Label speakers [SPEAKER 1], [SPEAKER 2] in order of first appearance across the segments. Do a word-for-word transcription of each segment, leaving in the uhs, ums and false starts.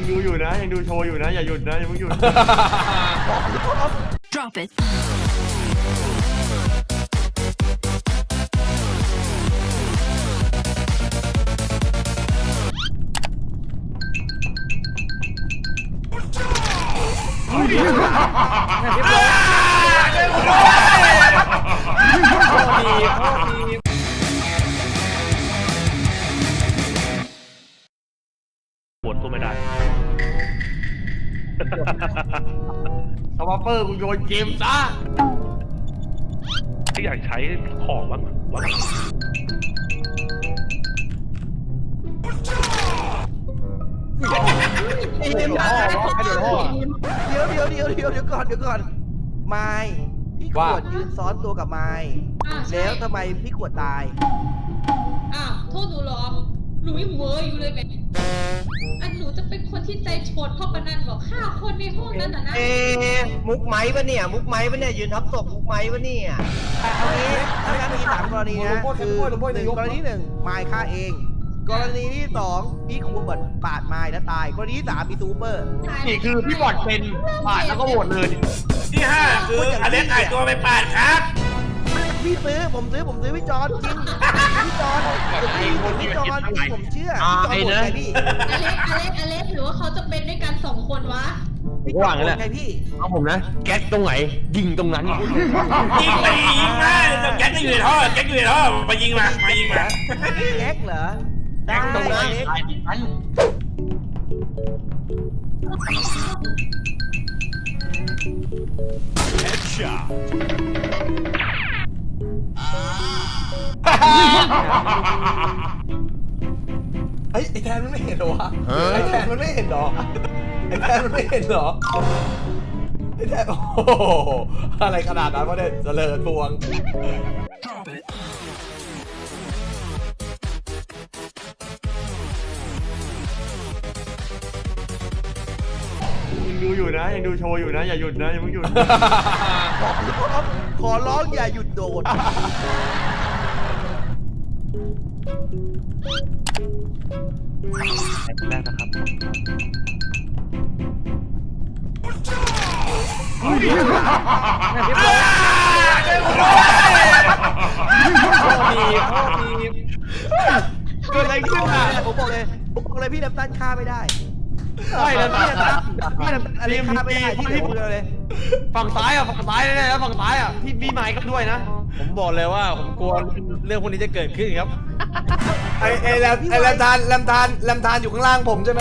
[SPEAKER 1] ดูอยู่นะยังดูโชว์อยู่นะอย่าหยุดนะอย่าเพิ่งหยุด
[SPEAKER 2] Drop it.
[SPEAKER 3] ปวดตัวไม่ได้
[SPEAKER 1] สวอปเปอร์กูโยนเกมซะ
[SPEAKER 3] ที่อยากใช้ของบ้างวะ
[SPEAKER 4] เดี๋ยวเดี๋ยวเดี๋ยวเดี๋ยวเดี๋ยวเดี๋ยวก่อนเดี๋ยวก่อนไม้พี่ขวดยืนซ้อนตัวกับไม้แล้วทำไมพี่ขวดตาย
[SPEAKER 5] อ้าวโทษหนูเหรอหนูยังเวอร์อยู่เลยแม่อันหนูจะเป็นคนที่ใจโฉดพ่อปนันบอกฆ่าคนในห้องนั้นน่ะนะ
[SPEAKER 4] เอ๊ะมุกไม้ปะเนี่ยมุกไม้ปะเนี่ยยืนทับศพมุกไม้ปะเนี่ยเอางี้ถ้างั้นมีสามกรณีนะคือหนึ่งกรณีหนึ่งไม้ฆ่าเอง กรณีที่สองพี่ขวดปาดไม้แล้วตายกรณีที่สามมีซูเปอร์
[SPEAKER 1] นี่คือพี่บอดเป็นปาดแล้วก็โหวตเลย
[SPEAKER 6] ที่ห้าคืออเล็กหายตัวไปปาดครับ
[SPEAKER 4] พี่ซื้อผมซื้อผมซื้อพี่จอนจริงพี่จอนพี่พี่จอนผมเชื่อพี่จอนหมดไงพี่
[SPEAKER 5] อเล็กอเล็กอเล็กหรือว่าเขาจะเป็นด้วยกันสองคนวะ
[SPEAKER 4] พี่จอนหมดไงพี่
[SPEAKER 1] เอาผมนะแก๊สตรงไหนยิงตรงนั้น
[SPEAKER 6] ยิงไปยิงมาแก๊กก็อยู่ในท่อแก๊กอยู่ในท่อมายิงมามายิงมา
[SPEAKER 4] แก๊กเหรอได้
[SPEAKER 1] ตรงนั้น
[SPEAKER 4] เล็ก
[SPEAKER 7] ไอ้ไอ้แทนมันไม่เห็นเหรอวะไอ้แทนมันไม่เห็นเหรอไอ้แทนมันไม่เห็นเหรอไอ้แทนโอ้โหอะไรขนาดนั้นวะเนี่ยเจริญพวง
[SPEAKER 1] ยังดูอยู่นะยังดูโชว์อยู่นะอย่าหยุดนะอย่าเพิ่งหยุด
[SPEAKER 4] ขอร้องอย่าหยุดโดด
[SPEAKER 3] แรกนะครับ
[SPEAKER 1] เกิดอะไรขึ้นอ่ะ
[SPEAKER 4] ผมบอกเลยผมบอกเลยพี่น้ำตาลฆ่าไม่ได้
[SPEAKER 1] ใช่แล้ว
[SPEAKER 4] พี่
[SPEAKER 1] พี่
[SPEAKER 4] น้ำตาลพี่น้ำตาลอะไรฆ่าไม่ได้ที่เหลือผมเลย
[SPEAKER 1] ฝั่งซ้ายอ่ะฝั่งซ้ายแน่ๆแล้วฝั่งซ้ายอ่ะพี่พี่ไม้ก็ด้วยนะ
[SPEAKER 8] ผมบอกเลยว่าผมกลัวเรื่องพวกนี้จะเกิดขึ้นครับ
[SPEAKER 7] ไอ้ไอ้แลมไอ้แลมทานแลมทานแลมทานอยู่ข้างล่างผมใช่ไหม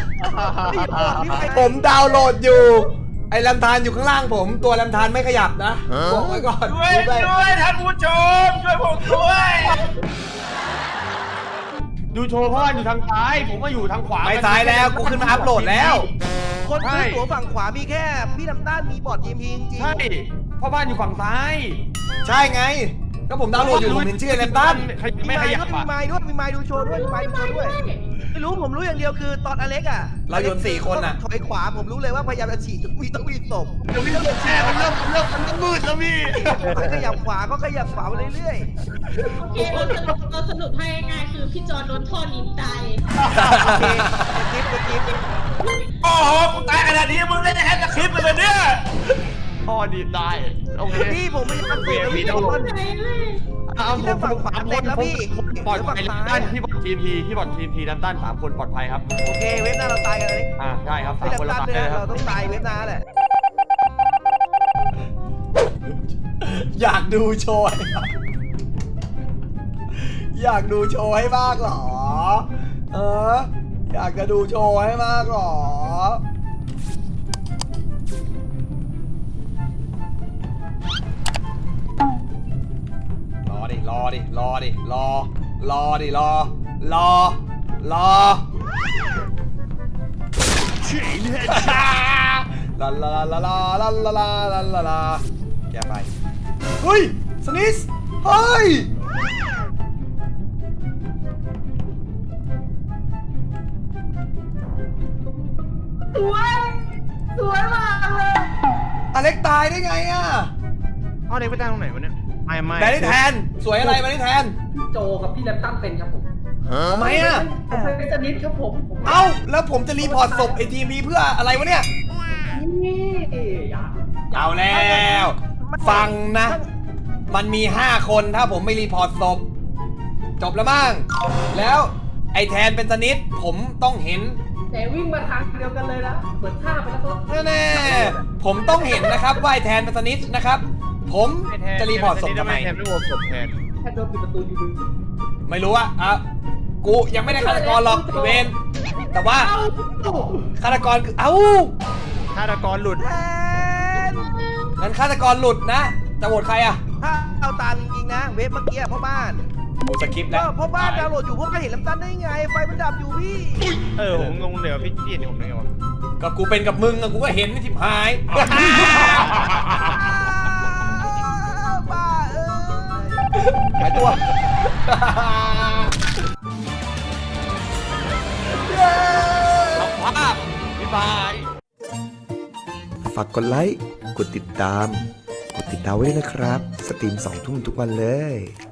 [SPEAKER 7] ผมดาวน์โหลดอยู่ไอ้แลมทานอยู่ข้างล่างผมตัวแลมทานไม่ขยับนะบอกไว้ก่อน
[SPEAKER 6] ช่วยด้วยท่านผู้ชมช่วยผมด้วย
[SPEAKER 1] ดูโชว์พ่ออยู่ทางซ้ายผมก็อยู่ทางขวา
[SPEAKER 7] ไม่ซ้ายแล้วกูขึ้นมาอัพโหลดแล้ว
[SPEAKER 4] คนซื้อตั๋วฝั่งขวามีแค่พี่น้ำตาลมีบอร์ดทีมพีจริง
[SPEAKER 1] ใช่พ่อบ้านอยู่ฝั่งซ้าย
[SPEAKER 7] ใช่ไงก็ผมดาวน์โหลดอยู่ผมเห็นชื่อแลมตัน
[SPEAKER 1] ไม่ขยับ
[SPEAKER 4] มี
[SPEAKER 1] อ่ะ
[SPEAKER 4] ไม้ด้วยมีไม้ดูโชว์ด้วยมีไม้ดูโชว์ด้วยไม่รู้ผมรู้อย่างเดียวคือตอนอเล็กอ่ะ
[SPEAKER 7] เราโยนสี่คนอ่ะ
[SPEAKER 4] ถอยขวาผมรู้เลยว่าพยายามจะฉีดมีต้องมีศพ
[SPEAKER 1] เดี๋ยวพี่เริ่มแช่มันเริ่มเริ่มมันมืดแล้วพี่
[SPEAKER 4] ขยับขวาก็ขยับขวาไปเรื่อย
[SPEAKER 5] โอเคเราสรุปเราสรุปให้ง่ายๆคือพี่จอนโดนท่อนิ้มตาย
[SPEAKER 4] ๆโอเคสกิปสกิป
[SPEAKER 6] โอ้โหกูตายขนาดนี้มึงเล่นแค่สคริปต์เลยเนี่ย
[SPEAKER 1] พ่อดีได้โอเค
[SPEAKER 4] พี่ผมไม่ทำเสร็จแล้วพี่
[SPEAKER 1] ต้อง
[SPEAKER 4] ทุก
[SPEAKER 1] ล
[SPEAKER 4] ค
[SPEAKER 1] ง
[SPEAKER 4] น
[SPEAKER 5] ใจเลย
[SPEAKER 1] เอาผมผมสามคนแล้วพี่ปลอดภัยดันตันพี่บอดทีมพีพี่บอดทีมพีดันตันสามคนปลอดภัยครับ
[SPEAKER 4] โอเคเว็บหน้าเราตายกันเลย
[SPEAKER 1] อ่าใช่ครับสา
[SPEAKER 4] ไม่
[SPEAKER 1] มคน
[SPEAKER 4] ดั
[SPEAKER 1] ละ
[SPEAKER 4] บ
[SPEAKER 1] ตาย
[SPEAKER 4] เลย
[SPEAKER 1] เลยค
[SPEAKER 4] เรา
[SPEAKER 1] รับ
[SPEAKER 4] ต้องตายเว็บหน้าแหละ
[SPEAKER 7] อยากดูโชว์ให้มากอยากดูโชว์ให้มากเหรอเอออยากจะดูโชว์ให้มากเหรอรอดิรอดิรอดิรอรอดิรอรอรอลาลาลาลาลาลาลาลาลาลาแกไปเฮ้ยสนิสเฮ้ยสวยสวยมากเลยอเล็กตายได้ไงอ่ะ
[SPEAKER 8] เอาเด็กไปตั้งตรงไหนวะเนี่ย ไม่ไม่
[SPEAKER 7] แบนนี่แทนสวยอะไรแบนนี่แทน
[SPEAKER 9] โจกับพี่แรมตันเป็นครับผม
[SPEAKER 7] ทำไมอ่ะ
[SPEAKER 2] ผมเป็นสนิทครับผมผม
[SPEAKER 7] เอ้าแล้วผมจะรีพอร์ตศพไอทีมพีเพื่ออะไรวะเนี่ย
[SPEAKER 2] นี่อย่า
[SPEAKER 7] เอาแล้ว ฟังนะ มันมีห้าคนถ้าผมไม่รีพอร์ตศพจบแล้วมั้งแล้วไอแทนเป็นสนิทผมต้องเห็น
[SPEAKER 2] แต่วิ่งมาทางเดียวกันเลยนะเปิดท่าไปแล้วก็
[SPEAKER 7] แน่ๆผมต้องเห็นนะครับว่าไอแทนเป็นสนิทนะครับ ผมจะรีพอร์ตศพทำไม
[SPEAKER 8] แทนไม่โหวตศพแทน
[SPEAKER 2] แค่โดนปิดประตูอยู่
[SPEAKER 7] ไม่รู้อะอ่ะกูยังไม่ได้ฆาตกรหรอกเวนแต่ว่าฆาตกรคือเอ้า
[SPEAKER 8] ฆาตกรหลุด
[SPEAKER 4] แทน
[SPEAKER 7] งั้นฆาตกรหลุดนะจะโหวตใครอะ
[SPEAKER 4] ถ้าเอาตามจริงๆนะ เว็บเมื่อกี้พ่อบ้าน
[SPEAKER 7] โอ้สคริปต์
[SPEAKER 4] ก็
[SPEAKER 7] แล้ว
[SPEAKER 4] พ่อบ้านดาวน์โหลดอยู่พวกก็เห็นลำตันได้ไง ไฟมันดับอยู่พี่
[SPEAKER 8] เออผมงงเลยว่าพี่พี่เห็นผมได้ไงวะ
[SPEAKER 7] ก็กูเป็นกับมึงอะกูก็เห็นนี่ทิพหาย
[SPEAKER 4] บ้าเอ้ย
[SPEAKER 7] หายตัว
[SPEAKER 1] ภาพบ๊ายบาย
[SPEAKER 9] ฝากกดไลค์ กดติดตาม กดติดดาวไว้ด้วยนะครับ สตรีมสองทุ่มทุกวันเลย